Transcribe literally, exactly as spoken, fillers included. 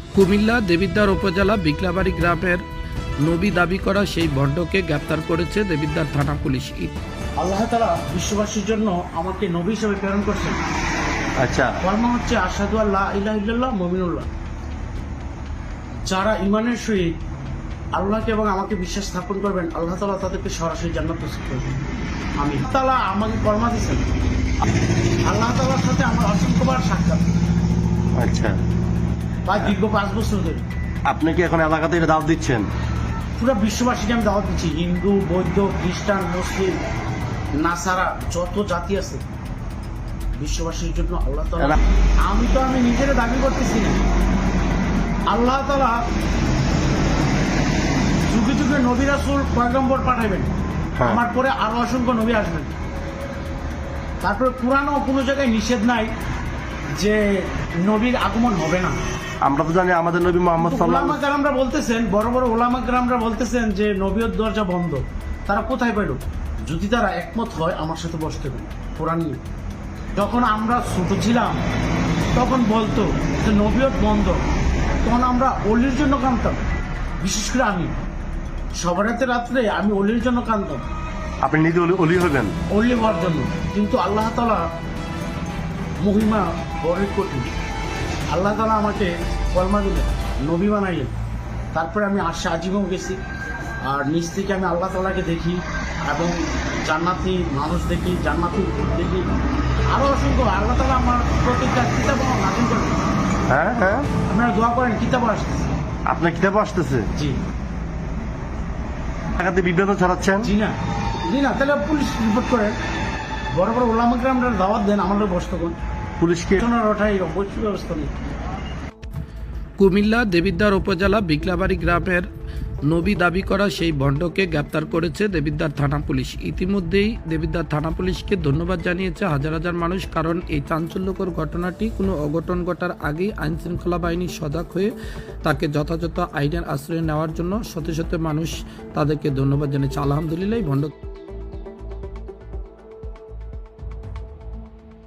কুমিল্লা দেবিদ্বার উপজেলা বিকলাবাড়ি গ্রামের নবী দাবি করা সেই ভণ্ডকে গ্রেপ্তার করেছে দেবিদ্বার থানা পুলিশ। আল্লাহ তাআলা বিশ্ববাসীর জন্য আমাকে নবী হিসেবে প্রেরণ করছেন। আচ্ছা, কলমা হচ্ছে আশহাদু আল্লা ইলাহা ইল্লাল্লাহ মুমিনুল্লাহ। যারা ইমানের সহিত আল্লাহকে এবং আমাকে বিশ্বাস স্থাপন করবেন, আল্লাহ তাআলা তাদেরকে সরাসরি জান্নাত নসিব করবেন। আমি তাআলা আমাকে কলমা দিয়েছেন। আল্লাহ তাআলার সাথে আমার অসংখ্যবার সাক্ষাৎ, আচ্ছা। প্রায় দীর্ঘ পাঁচ বছর ধরে। আপনি কি এখন এলাকাতে এটা দাওয়াত দিচ্ছেন? পুরো বিশ্ববাসীকে আমি দাওয়াত দিচ্ছি। হিন্দু, বৌদ্ধ, খ্রিস্টান, মুসলিম, নাসারা, যত জাতি আছে বিশ্ববাসীর জন্য আল্লাহ তাআলা। আমি তো আমি নিজের দাবি করতেছি না, আল্লাহ তাআলা যুগে যুগে নবী রাসূল পয়গম্বর পাঠাবেন, হ্যাঁ। আমার পরে আরো অসংখ্য নবী আসবেন। তারপরে পুরানো কোনো জায়গায় নিষেধ নাই যে নবীর আগমন হবে না। আমরা তো জানি আমাদের নবী মুহাম্মদ সাল্লাল্লাহু ওলামা কেরামরা বলতেছেন, বড় বড় ওলামা কেরামরা বলতেছেন যে নবীর দরজা বন্ধ। তারা কোথায় পেল? যদি তারা একমত হয় আমার সাথে বসতে হবে কোরআন নিয়ে। যখন আমরা ছোট ছিলাম তখন বলতো যে নবীয়ত বন্ধ, তখন আমরা অলির জন্য কাঁদতাম। বিশেষ করে আমি সবার রাতে রাত্রে আমি অলির জন্য কাঁদতাম, আপনি নিজে অলি- অলি হবেন। অলি হওয়ার জন্য। কিন্তু আল্লাহ তাআলা মহিমা বড় কঠিন। আল্লাহ তাআলা আমাকে কলমা দিলেন, নবী বানাইলেন। তারপরে আমি আশা আজীবন গেছি, আর নিচ থেকে আমি আল্লাহ তাআলাকে দেখি এবং জান্নাতি মানুষ দেখি, জান্নাতি উট দেখি, আরও অসংখ্য। আল্লাহ তাআলা আমার প্রত্যেকটা কিতাব নাজিল করেন। হ্যাঁ হ্যাঁ, আপনারা দোয়া করেন, কিতাব আসতেছে। আপনার কিতাব আসতেছে। জি এলাকাতে বিভ্রান্ত ছড়াচ্ছেন। জি না জি না তাহলে পুলিশ রিপোর্ট করেন। বড় বড় ওলামাকে আমরা দাওয়াত দেন, আমাদের বসতে কোন পুলিশকে ওঠাই অবশ্যই ব্যবস্থা নেই। কুমিল্লা দেবিদ্বার উপজেলা বিকলাবাড়ি গ্রামের নবী দাবি করা সেই ভণ্ডকে গ্রেপ্তার করেছে দেবিদ্বার থানা পুলিশ। ইতিমধ্যেই দেবিদ্বার থানা পুলিশকে ধন্যবাদ জানিয়েছে হাজার হাজার মানুষ, কারণ এই চাঞ্চল্যকর ঘটনাটি কোনো অঘটন ঘটার আগেই আইন শৃঙ্খলা বাহিনী সজাগ হয়ে তাকে যথাযথ আইনের আশ্রয় নেওয়ার জন্য শত শত মানুষ তাদেরকে ধন্যবাদ জানিয়েছে। আলহামদুলিল্লাহ, ভণ্ড